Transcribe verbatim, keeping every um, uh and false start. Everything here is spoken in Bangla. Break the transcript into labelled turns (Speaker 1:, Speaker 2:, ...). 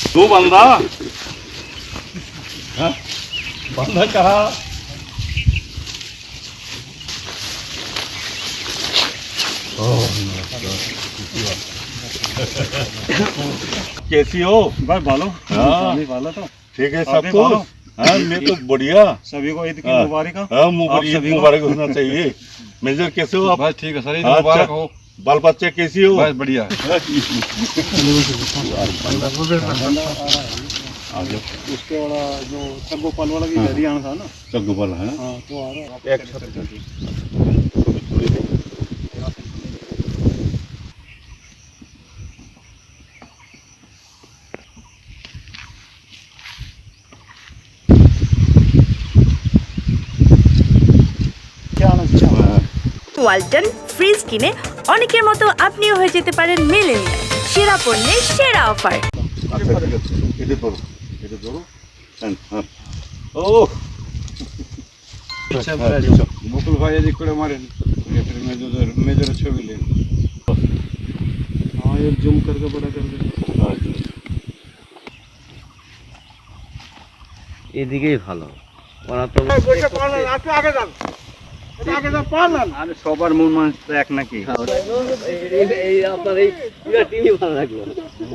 Speaker 1: तू बंदा हाँ? बंदा कहा कैसी हो
Speaker 2: भाई भालो
Speaker 1: हाँ
Speaker 2: भालो तो
Speaker 1: ठीक है
Speaker 2: आप
Speaker 1: सब
Speaker 2: भी
Speaker 1: तो
Speaker 2: भालो।
Speaker 1: हाँ मैं तो बढ़िया
Speaker 2: सभी को ईद की
Speaker 1: हाँ।
Speaker 2: मुबारक हो।
Speaker 1: हाँ
Speaker 2: आप
Speaker 1: मुबारक ईद
Speaker 2: सभी को-
Speaker 1: मुबारक होना चाहिए मेजर कैसे हो आप
Speaker 3: बस ठीक है सर ईद
Speaker 1: हाँ,
Speaker 3: मुबारक
Speaker 1: अच्छा।
Speaker 3: हो
Speaker 1: बाल बच्चे कैसी हो
Speaker 3: बस बढ़िया
Speaker 2: उसके वाला जो सगोपाल वाला भी
Speaker 1: हाँ।
Speaker 2: घर ही आना था ना।
Speaker 1: सगोपाल है
Speaker 2: हाँ तो आ रहा है।
Speaker 1: एक
Speaker 2: क्या आना चाहिए
Speaker 4: ওয়ালটন ফ্রিজ কিনে অনেকের মতো আপনিও হয়ে যেতে পারেন মিলেনিয়াল সেরা পণ্যের সেরা অফার।
Speaker 1: আচ্ছা ঠিক আছে এটা ধরো এটা ধরো হ্যাঁ হ্যাঁ ও
Speaker 3: আচ্ছা
Speaker 1: হ্যাঁ,
Speaker 3: ভাই বকুল ভাই এদিক করে মারেন মেজরের মেজরের ছবি নেন
Speaker 2: हाँ ये जूम करके बड़ा कर दे।
Speaker 5: এদিকেই ভালো ওরা তো আরে সবার মন মানুষ তো এক নাকি এই আপনার এই পুরো টিভি ভালো লাগলো